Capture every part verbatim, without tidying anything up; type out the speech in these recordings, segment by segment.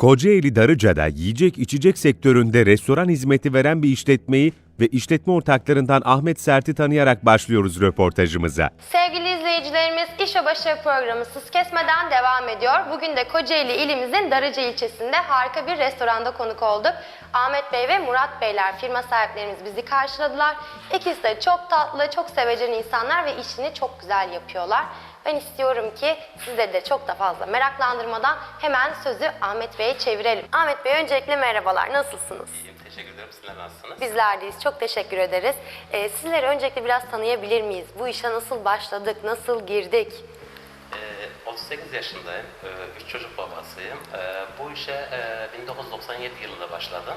Kocaeli Darıca'da yiyecek içecek sektöründe restoran hizmeti veren bir işletmeyi ve işletme ortaklarından Ahmet Sert'i tanıyarak başlıyoruz röportajımıza. Sevgili izleyicilerimiz, İş ve Başarı programı Sız Kesmeden devam ediyor. Bugün de Kocaeli ilimizin Darıca ilçesinde harika bir restoranda konuk olduk. Ahmet Bey ve Murat Beyler, firma sahiplerimiz bizi karşıladılar. İkisi de çok tatlı, çok sevecen insanlar ve işini çok güzel yapıyorlar. Ben istiyorum ki sizleri de çok da fazla meraklandırmadan hemen sözü Ahmet Bey'e çevirelim. Ahmet Bey, öncelikle merhabalar, nasılsınız? İyiyim, teşekkür ederim. Sizler nasılsınız? Bizler deyiz, çok teşekkür ederiz. Ee, sizleri öncelikle biraz tanıyabilir miyiz? Bu işe nasıl başladık, nasıl girdik? Ee, otuz sekiz yaşındayım, ee, üç çocuk babasıyım. Ee, bu işe e, bin dokuz yüz doksan yedi yılında başladım.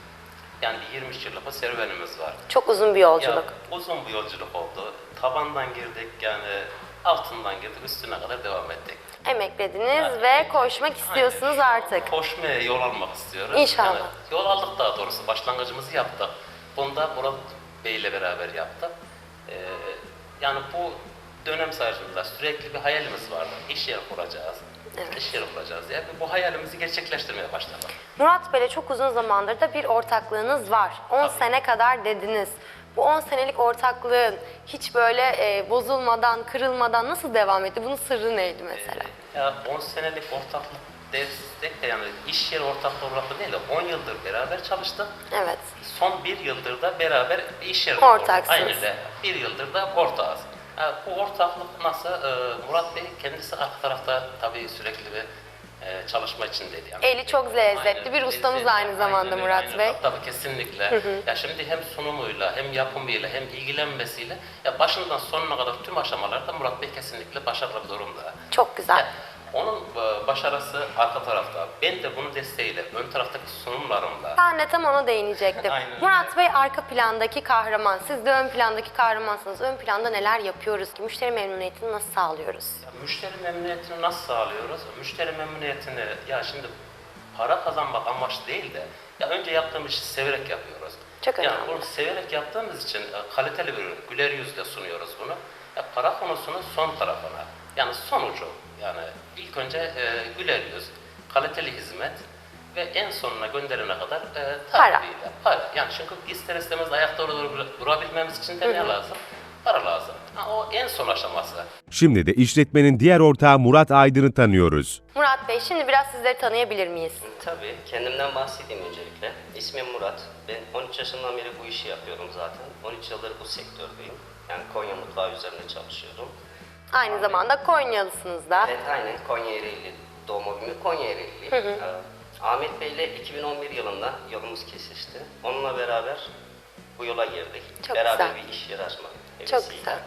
Yani yirmi üç yıllık bir serüvenimiz var. Çok uzun bir yolculuk. Ya, uzun bir yolculuk oldu. Tabandan girdik, yani altından girdik, üstüne kadar devam ettik. Emeklediniz Yani, ve koşmak istiyorsunuz aynen. artık. Koşmaya yol almak istiyoruz. İnşallah. Yani, yol aldık daha doğrusu, başlangıcımızı yaptık. Bunu da Murat Bey ile beraber yaptık. Ee, yani bu dönem sayesinde sürekli bir hayalimiz vardı. İş yeri kuracağız, Evet. iş yeri kuracağız diye. Bu hayalimizi gerçekleştirmeye başladık. Murat Bey'le çok uzun zamandır da bir ortaklığınız var. on Tabii. sene kadar dediniz. Bu on senelik ortaklığın hiç böyle e, bozulmadan, kırılmadan nasıl devam etti? Bunun sırrı neydi mesela? Ee, ya on senelik ortaklık destek de, yani iş yeri ortaklığı olarak da değil de on yıldır beraber çalıştık. Evet. Son bir yıldır da beraber bir iş yeri Ortaksınız. Aynı de bir yıldır da ortağız. Yani bu ortaklık nasıl? Ee, Murat Bey kendisi arka tarafta tabii sürekli bir e, çalışma içindeydi. Yani. Eli çok lezzetli Aynen, bir ustamız lezzetli, aynı zamanda aynen, Murat aynen. Bey. Tabii kesinlikle. Ya şimdi hem sunumuyla, hem yapımıyla, hem ilgilenmesiyle ya başından sonuna kadar tüm aşamalarda Murat Bey kesinlikle başarılı bir durumda. Çok güzel. Ya, onun e, başarısı arka tarafta. Ben de bunun desteğiyle, ön taraftaki sunumlarımla. Ben de tam ona değinecektim. Aynen. Murat Bey arka plandaki kahraman. Siz de ön plandaki kahramansınız. Ön planda neler yapıyoruz ki? Müşteri memnuniyetini nasıl sağlıyoruz? Ya, müşteri memnuniyetini nasıl sağlıyoruz? Müşteri memnuniyetini, ya şimdi para kazanmak amaç değil de, ya önce yaptığımız işi severek yapıyoruz. Çok yani önemli. bunu severek yaptığımız için e, kaliteli bir ürün, güler yüzle sunuyoruz bunu. Ya para konusunun son tarafına, yani sonucu, yani ilk önce e, güler yüz, kaliteli hizmet ve en sonuna gönderene kadar e, Para. takviyle, para. Yani çünkü ister istemez ayakta dur durabilmemiz için de ne lazım? Para lazım. Ha, o en son aşaması. Şimdi de işletmenin diğer ortağı Murat Aydın'ı tanıyoruz. Murat Bey, şimdi biraz sizleri tanıyabilir miyiz? Tabii, kendimden bahsedeyim öncelikle. İsmim Murat. Ben on üç yaşından beri bu işi yapıyorum zaten. on üç yıldır bu sektördeyim. Yani Konya mutfağı üzerine çalışıyorum. Aynı zamanda Konyalısınız da. Evet, aynen. Konya Ereğli doğma büyüme Konya Ereğli. Ee, Ahmet Bey ile iki bin on bir yılında yolumuz kesişti. Onunla beraber bu yola girdik. Çok beraber güzel. bir iş yeri açmak. Çok hevesiyle. güzel.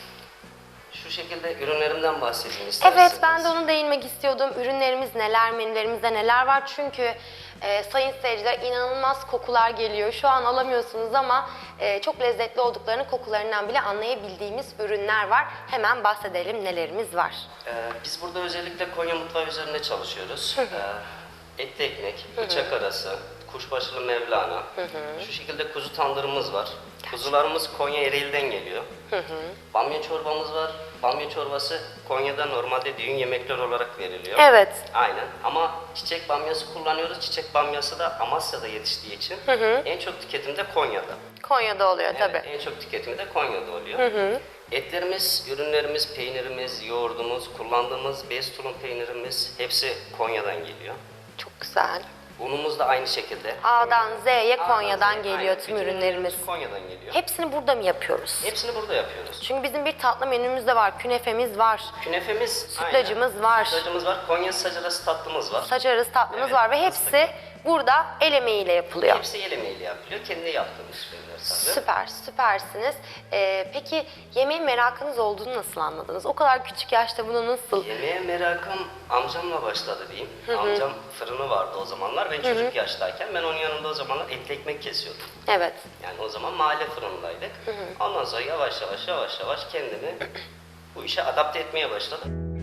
Şu şekilde ürünlerimden bahsedeyim isterseniz. Evet, ben de onu değinmek istiyordum. Ürünlerimiz neler, menülerimizde neler var? Çünkü e, sayın seyirciler, inanılmaz kokular geliyor. Şu an alamıyorsunuz ama e, çok lezzetli olduklarını kokularından bile anlayabildiğimiz ürünler var. Hemen bahsedelim nelerimiz var. Ee, biz burada özellikle Konya mutfağı üzerinde çalışıyoruz. Ee, etli ekmek, bıçak arası, kuşbaşılı mevlana, şu şekilde kuzu tandırımız var. Kuzularımız Konya Ereğli'den geliyor. Bamya çorbamız var. Bamya çorbası Konya'da normalde düğün yemekleri olarak veriliyor. Evet. Aynen, ama çiçek bamyası kullanıyoruz. Çiçek bamyası da Amasya'da yetiştiği için en çok tüketimi de Konya'da. Konya'da oluyor tabii. Evet, en çok tüketimi de Konya'da oluyor. Etlerimiz, ürünlerimiz, peynirimiz, yoğurdumuz, kullandığımız bez tulum peynirimiz hepsi Konya'dan geliyor. Çok güzel. Unumuz da aynı şekilde. A'dan Z'ye A'dan Konya'dan Z'ye, geliyor aynen. tüm Bütün ürünlerimiz. Konya'dan geliyor. Hepsini burada mı yapıyoruz? Hepsini burada yapıyoruz. Çünkü bizim bir tatlı menümüz de var. Künefemiz var. Künefemiz, Sütlacımız aynen. var. Sütlacımız var. Konya sacarası tatlımız var. Saç arası tatlımız Evet, var ve hepsi burada el emeğiyle yapılıyor. Hepsi el emeğiyle yapılıyor. Kendi yaptığımız şeyler tabii. Süper, süpersiniz. Ee, peki yemeğe merakınız olduğunu nasıl anladınız? O kadar küçük yaşta bunu nasıl? Yemeğe merakım amcamla başladı diyeyim. Amcam fırını vardı o zamanlar. Ben çocuk yaştayken ben onun yanında o zamanlar etli ekmek kesiyordum. Evet. Yani o zaman mahalle fırındaydık. Ondan sonra yavaş yavaş yavaş yavaş kendimi bu işe adapte etmeye başladım.